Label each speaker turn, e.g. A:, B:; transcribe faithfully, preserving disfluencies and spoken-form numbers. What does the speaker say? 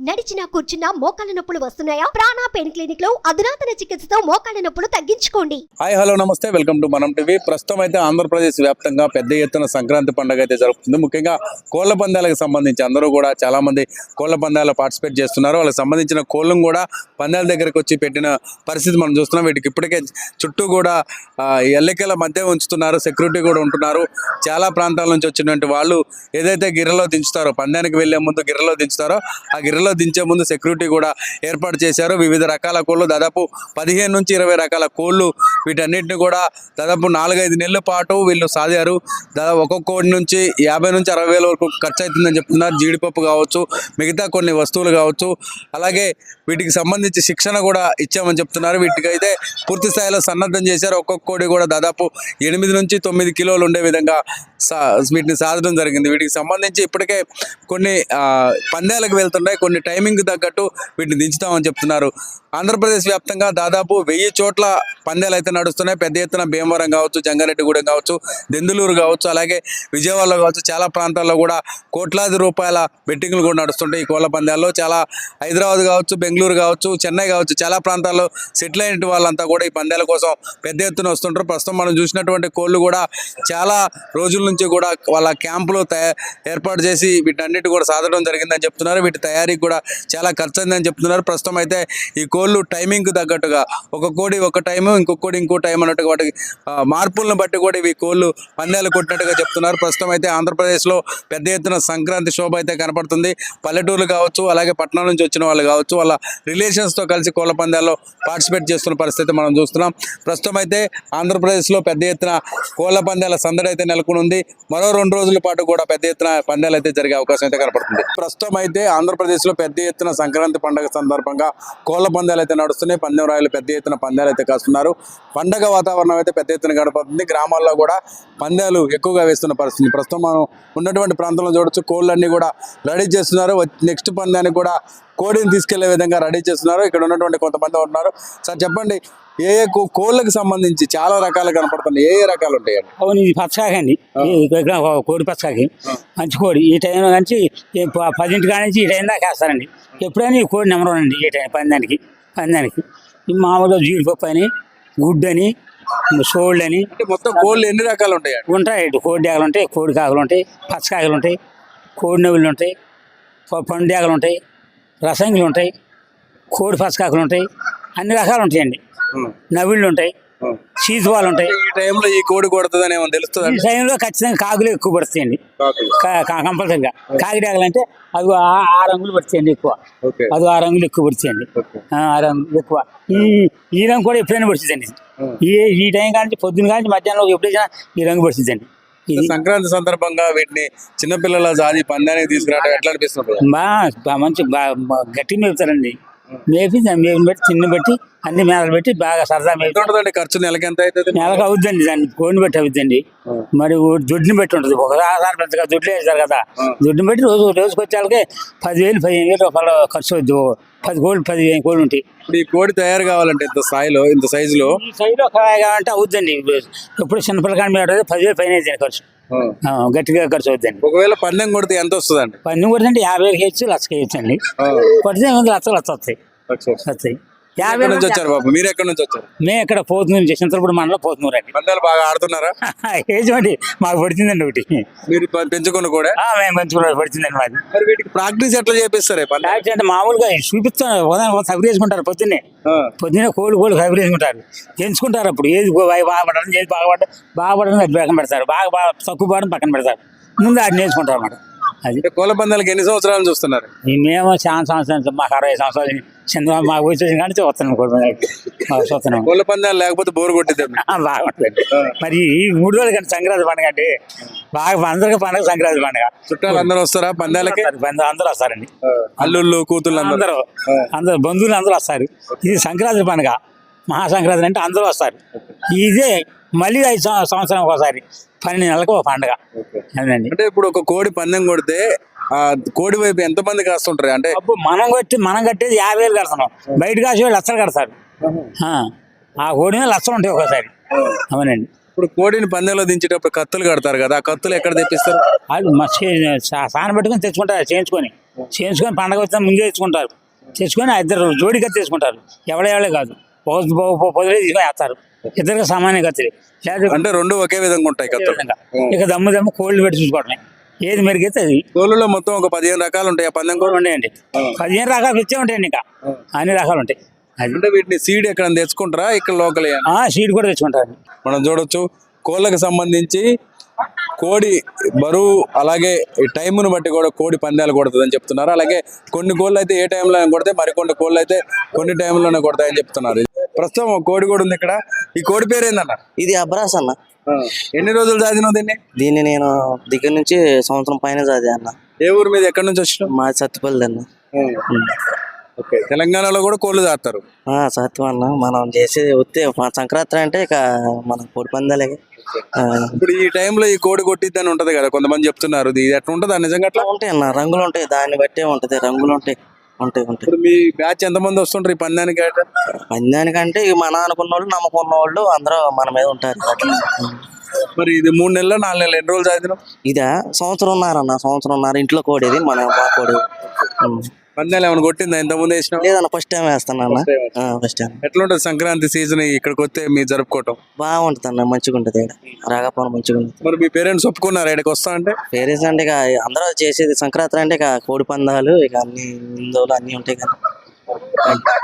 A: నడిచినా కూర్చున్నా మోకాళ్ళ నొప్పులు వస్తున్నాయా? ప్రాణ పెయిన్ క్లినిక్ లో అధునాతన చికిత్సతో మోకాళ్ళ నొప్పులు తగ్గించుకోండి.
B: హాయ్ హలో నమస్తే, వెల్కమ్ టు మనం టీవీ. ప్రస్తుతం అయితే ఆంధ్రప్రదేశ్ వ్యాప్తంగా పెద్ద ఎత్తున సంక్రాంతి పండుగ అయితే జరుగుతుంది. ముఖ్యంగా కోళ్ల పందాలకు సంబంధించి అందరూ కూడా చాలా మంది కోళ్ల పందాల్లో పార్టిసిపేట్ చేస్తున్నారు. వాళ్ళకి సంబంధించిన కోళ్ళను కూడా పందాల దగ్గరికి వచ్చి పెట్టిన పరిస్థితి మనం చూస్తున్నాం. వీటికి ఇప్పటికే చుట్టూ కూడా ఎల్లికల మధ్య ఉంచుతున్నారు, సెక్యూరిటీ కూడా ఉంటున్నారు. చాలా ప్రాంతాల నుంచి వచ్చినటువంటి వాళ్ళు ఏదైతే గిర్రలో దించుతారో, పందానికి వెళ్లే ముందు గిర్రలో దించుతారో ఆ గిర్రలో దించే ముందు సెక్యూరిటీ కూడా ఏర్పాటు చేశారు. వివిధ రకాల కోళ్ళు, దాదాపు పదిహేను నుంచి ఇరవై రకాల కోళ్ళు, వీటన్నిటిని కూడా దాదాపు నాలుగైదు నెలల పాటు వీళ్ళు సాధారు. దాదాపు ఒక్కొక్క కోడి నుంచి యాభై నుంచి అరవై వేల వరకు ఖర్చు అవుతుందని చెప్తున్నారు. జీడిపప్పు కావచ్చు, మిగతా కొన్ని వస్తువులు కావచ్చు, అలాగే వీటికి సంబంధించి శిక్షణ కూడా ఇచ్చామని చెప్తున్నారు. వీటికైతే పూర్తి స్థాయిలో సన్నద్ధం చేశారు. ఒక్కొక్క కోడి కూడా దాదాపు ఎనిమిది నుంచి తొమ్మిది కిలోలు ఉండే విధంగా సా వీటిని సాధడం జరిగింది. వీటికి సంబంధించి ఇప్పటికే కొన్ని పందాలకు వెళ్తున్నాయి, కొన్ని టైమింగ్ తగ్గట్టు వీటిని దించుతామని చెప్తున్నారు. ఆంధ్రప్రదేశ్ వ్యాప్తంగా దాదాపు వెయ్యి చోట్ల పందాలు అయితే నడుస్తున్నాయి. పెద్ద ఎత్తున భీమవరం కావచ్చు, జంగారెడ్డిగూడెం కావచ్చు, దెందులూరు కావచ్చు, అలాగే విజయవాడలో కావచ్చు, చాలా ప్రాంతాల్లో కూడా కోట్లాది రూపాయల బెట్టింగ్లు కూడా నడుస్తుంటాయి ఈ కోళ్ల పందాల్లో. చాలా హైదరాబాద్ కావచ్చు, బెంగళూరు కావచ్చు, చెన్నై కావచ్చు, చాలా ప్రాంతాల్లో సెటిల్ అయిన వాళ్ళంతా కూడా ఈ పందాల కోసం పెద్ద ఎత్తున వస్తుంటారు. ప్రస్తుతం మనం చూసినటువంటి కోళ్ళు కూడా చాలా రోజుల నుంచి కూడా వాళ్ళ క్యాంపులో తయారు ఏర్పాటు చేసి వీటన్నిటి కూడా సాధడం జరిగిందని చెప్తున్నారు. వీటి తయారీకి కూడా చాలా ఖర్చు అయిందని చెప్తున్నారు. ప్రస్తుతం అయితే ఈ కోళ్ళు టైమింగ్కి తగ్గట్టుగా ఒక కోడి ఒక టైము, ఇంకొక కోడి ఇంకో టైం అన్నట్టుగా వాటి మార్పులను బట్టి కూడా ఇవి కోళ్ళు పందాలు కొట్టినట్టుగా చెప్తున్నారు. ప్రస్తుతం అయితే ఆంధ్రప్రదేశ్లో పెద్ద ఎత్తున సంక్రాంతి శోభ అయితే కనపడుతుంది. పల్లెటూర్లు కావచ్చు, అలాగే పట్టణాల నుంచి వచ్చిన వాళ్ళు కావచ్చు, వాళ్ళ రిలేషన్స్తో కలిసి కోళ్ళ పందాల్లో పార్టిసిపేట్ చేస్తున్న పరిస్థితి మనం చూస్తున్నాం. ప్రస్తుతం అయితే ఆంధ్రప్రదేశ్లో పెద్ద ఎత్తున కోళ్ళ పందాల సందడి అయితే నెలకొని ఉంది. మరో రెండు రోజుల పాటు కూడా పెద్ద ఎత్తున పందాలు అయితే జరిగే అవకాశం అయితే కనపడుతుంది. ప్రస్తుతం అయితే ఆంధ్రప్రదేశ్లో పెద్ద ఎత్తున సంక్రాంతి పండుగ సందర్భంగా కోళ్ల పందాలు అయితే నడుస్తున్నాయి. పందెం రాయలు పెద్ద ఎత్తున పందాలు అయితే కాస్తున్నారు. పండగ వాతావరణం అయితే పెద్ద ఎత్తున గడపడుతుంది. గ్రామాల్లో కూడా పందాలు ఎక్కువగా వేస్తున్న పరిస్థితి ప్రస్తుతం మనం ఉన్నటువంటి ప్రాంతంలో చూడొచ్చు. కోళ్ళన్నీ కూడా రెడీ చేస్తున్నారు. నెక్స్ట్ పందానికి కూడా కోడిని తీసుకెళ్లే విధంగా రెడీ చేస్తున్నారు. ఇక్కడ ఉన్నటువంటి కొంతమంది ఉన్నారు. సార్ చెప్పండి, ఏ ఏ కోళ్ళకి సంబంధించి చాలా రకాలు కనపడుతున్నాయి, ఏ ఏ రకాలు ఉంటాయండి?
C: అవును, ఇది పచ్చకాకి అండి, కోడి పచ్చకాకి మంచి కోడి. ఈ టైంలో నుంచి పదింటి కాడి నుంచి ఈ టైం దాకా వేస్తారండి. ఎప్పుడైనా ఈ కోడి నెంబర్ వన్ అండి ఈ టైం పందానికి. పందానికి ఈ మామూలుగా జీడిపప్పు అని, గుడ్డు అని, సోళ్ళు అని,
B: మొత్తం కోళ్ళు ఎన్ని రకాలు ఉంటాయి?
C: ఉంటాయి. కోడి డేగలు ఉంటాయి, కోడి కాకులు ఉంటాయి, పచ్చకాకులు ఉంటాయి, కోడి నవ్వులు ఉంటాయి, పండు డేగలు ఉంటాయి, రసంగులు ఉంటాయి, కోడి పచ్చకాకులు ఉంటాయి, అన్ని రకాలు ఉంటాయండి. నవ్వుళ్ళు ఉంటాయి, చీతువాలు ఉంటాయి.
B: ఈ టైంలో ఈ కోడి కొడుతుందని ఏమో తెలుస్తుంది.
C: ఈ టైంలో ఖచ్చితంగా కాకులు ఎక్కువ పడుతాయండి కంపల్సరిగా. కాకిడాగలు అంటే అది ఆ రంగులు పడుతాయండి ఎక్కువ. అది ఆ రంగులు ఎక్కువ పడుతాయండి, ఆ రంగులు ఎక్కువ. ఈ ఈ రంగు కూడా ఎప్పుడైనా పడుతుందండి. ఈ ఈ టైం కానీ పొద్దున్న కానీ మధ్యాహ్నం ఎప్పుడైనా ఈ రంగు పడుతుందండి.
B: సంక్రాంతి సందర్భంగా వీటిని చిన్నపిల్లల జాతి పందానికి తీసుకురావడం ఎట్లా అనిపిస్తుంది?
C: బాగా మంచి గట్టి మేపుతారండి. మేపి మేపుని బట్టి చిన్న బట్టి అన్ని మేళలు పెట్టి బాగా సరదా మేపుతుంది.
B: ఖర్చు నెలకి ఎంత అవుతుంది?
C: నెలకు అవుద్దండి, దాన్ని కోడిని బట్టి అవుద్దండి. మరి దొడ్డిని బట్టి ఉంటుంది. ఒకసారి పెద్దగా దొడ్లు వేస్తారు కదా, దొడ్డిని బట్టి రోజు రోజుకి వచ్చేళ్ళకి పదివేలు పదిహేను వేలు రూపాయలు ఖర్చు అవుద్ది. పది కోళ్ళు పదిహేను కోళ్ళు ఉంటాయి.
B: ఇప్పుడు ఈ కోడి తయారు కావాలంటే ఇంత స్థాయిలో, ఇంత సైజులో
C: ఈ సైజులో కావాలంటే అవుద్దండి. ఎప్పుడు చిన్నపిల్లకాయ మీద పదివేలు పైన అవుతుంది ఖర్చు, గట్టిగా ఖర్చు అవుతుందండి.
B: ఒకవేళ పందెం కొడితే ఎంత వస్తుంది అండి?
C: పందెం కొడితే అంటే యాభై వేలు వేయచ్చు, లక్ష వేయచ్చు అండి. కొడితే లక్షలు లక్ష వస్తాయి వస్తాయి. యాభై
B: నుంచి వచ్చారు బాబు, మీరు ఎక్కడి నుంచి వచ్చారు?
C: మేము ఇక్కడ పోతున్నారు, చింతలపూడి మండలం పోతున్నారు అండి.
B: పందాలు బాగా ఆడుతున్నారా?
C: ఏజండి మాకు పడుతుందండి ఒకటి.
B: మీరు పెంచుకున్న కూడా
C: మేము పెంచుకున్న పడుతుందండి మాది.
B: మరి వీటికి ప్రాక్టీస్ ఎట్లా చేపిస్తారు?
C: ప్రాక్టీస్ అంటే మామూలుగా చూపిస్తాను, ఉదయం సగరు వేసుకుంటారు. పొద్దున్నే పొద్దున్నే కోళ్ళు కోళ్ళు సగరు వేసుకుంటారు, పెంచుకుంటారు. అప్పుడు ఏది బాగుపడడం, ఏది బాగుపడడం బాగుపడడం అది పక్కన పెడతారు, బాగా బాగా తక్కువ పడడం పక్కన పెడతారు. ముందు అది నేర్చుకుంటారు అన్నమాట. అది
B: కోళ్ళ పందాలకి ఎన్ని సంవత్సరాలు చూస్తున్నారు?
C: మేము చాలా సంవత్సరాలు, మాకు అరవై సంవత్సరాలు చంద్ర మాకు వచ్చేసి కానీ వస్తున్నాం చూస్తున్నాం.
B: కోళ్ళ పందాలు లేకపోతే బోరు కొట్టిద్దాం.
C: బాగుంటుంది. మరి ఈ మూడు రోజులు కానీ సంక్రాంతి పండుగ అంటే బాగా అందరికీ పండుగ సంక్రాంతి పండుగ.
B: చుట్టాలు అందరూ వస్తారా పందాలకి?
C: అందరూ వస్తారండి,
B: అల్లుళ్ళు కూతుళ్ళు అందరూ
C: అందరూ బంధువులు అందరూ వస్తారు. ఇది సంక్రాంతి పండుగ, మహాసంక్రాంతి అంటే అందరూ వస్తారు. ఇదే మళ్ళీ ఐదు సంవత్సరం ఒకసారి పన్నెండు నెలలకు ఒక పండుగ. అదండి.
B: అంటే ఇప్పుడు ఒక కోడి పందెం కొడితే ఆ కోడి వైపు ఎంత మంది కాస్తుంటారు? అంటే
C: మనం కొట్టి మనం కట్టేది యాభై వేలు కడతాం, బయట కాసి వాళ్ళు లక్షలు కడతారు. ఆ కోడి మీద లక్షలు ఉంటాయి ఒకసారి. అవునండి.
B: ఇప్పుడు కోడిని పందెంలో దించేటప్పుడు కత్తులు కడతారు కదా, ఆ కత్తులు ఎక్కడ తెప్పిస్తారు?
C: వాళ్ళు సాన పెట్టుకుని తెచ్చుకుంటారు, చేయించుకొని చేయించుకొని పండగ వచ్చిన ముందే తెచ్చుకుంటారు. తెచ్చుకొని ఆ ఇద్దరు జోడిగా తెచ్చుకుంటారు. ఎవడెవడే కాదు, పొదలే తీసుకొని వేస్తారు. ఇద్దరికి సమానంగా కత్తిరి లేదు
B: అంటే రెండు ఒకే విధంగా ఉంటాయి కత్తులు.
C: విధంగా. ఇక దమ్ము దమ్ము కోళ్ళు పెట్టి చూసుకోవడమే, ఏది మెరుగైతే అది.
B: కోళ్ళలో మొత్తం ఒక పదిహేను రకాలు ఉంటాయి. ఆ పందెం కోళ్ళు
C: కోళ్ళు ఉంటాయండి, పదిహేను రకాలు వచ్చే ఉంటాయండి. ఇంకా అన్ని రకాలు ఉంటాయి. అది
B: అంటే వీటిని సీడ్ ఎక్కడ తెచ్చుకుంటారా, ఇక్కడ లోకల్?
C: ఆ సీడ్ కూడా తెచ్చుకుంటారు.
B: మనం చూడొచ్చు కోళ్ళకి సంబంధించి కోడి బరువు అలాగే ఈ టైంను బట్టి కూడా కోడి పందాలు కొడుతుందని చెప్తున్నారు. అలాగే కొన్ని కోళ్ళు అయితే ఏ టైంలో కొడితే, మరికొన్ని కోళ్ళు అయితే కొన్ని టైంలోనే కొడతాయని చెప్తున్నారు. ప్రస్తుతం ఒక కోడి కూడా ఉంది ఇక్కడ. ఈ కోడి పేరు ఏందన్న?
D: ఇది అబ్రాస్ అన్న.
B: ఎన్ని రోజులు చదివినావు దీన్ని?
D: దీన్ని నేను దగ్గర నుంచి సంవత్సరం పైన చదివా అన్న.
B: ఏ ఊరు మీద ఎక్కడి నుంచి వచ్చినావు?
D: మా సత్తుపల్లి అన్న.
B: ఓకే, తెలంగాణలో కూడా కోళ్ళు దాస్తారు.
D: ఆ, సత్యం అన్న. మనం చేసేది వస్తే మా సంక్రాంతి అంటే ఇక మన కోడి పందాలే. ఆ,
B: ఇప్పుడు ఈ టైంలో ఈ కోడి కొట్టిద్దని ఉంటది కదా, కొంతమంది చెప్తున్నారు. ఇది ఎట్లా ఉంటది నిజంగా? అట్లా
D: ఉంటాయి అన్న, రంగులు ఉంటాయి, దాన్ని బట్టే ఉంటది. రంగులు ఉంటాయి ఉంటాయి ఉంటాయి
B: ఇప్పుడు మీ బ్యాచ్ ఎంతమంది వస్తుంటారు ఈ పందానికి?
D: పందానికంటే ఇక మన అనుకున్న వాళ్ళు నమ్మకున్న వాళ్ళు అందరూ మన మీద ఉంటారు. అట్లా.
B: మరి ఇది మూడు నెలలు నాలుగు నెలలు ఎన్ని రోజులు చదివినావు?
D: ఇదా సంవత్సరం ఉన్నారన్న, సంవత్సరం ఉన్నారు. ఇంట్లో కోడేది మన మా కోడి. ఉం.
B: పందాలు ఏమైనా కొట్టిందా ఇంత ముందు వేసినావు?
D: లేదన్న, ఫస్ట్ టైం వేస్తాను అన్న. First time.
B: ఎట్లుంటది సంక్రాంతి సీజన్ ఇక్కడికి వస్తే మీరు జరుపుకోవటం?
D: బాగుంటుంది అన్న, మంచిగా ఉంటుంది. ఇక్కడ రాగపాన మంచిగా ఉంటుంది.
B: మరి మీ పేరెంట్స్ ఒప్పుకున్నారు ఇక్కడికి వస్తా అంటే?
D: పేరెంట్స్ అంటే ఇక అందరూ చేసేది సంక్రాంతి అంటే ఇక కోడి పందాలు, ఇక అన్ని హిందువులు అన్ని ఉంటాయి కదా.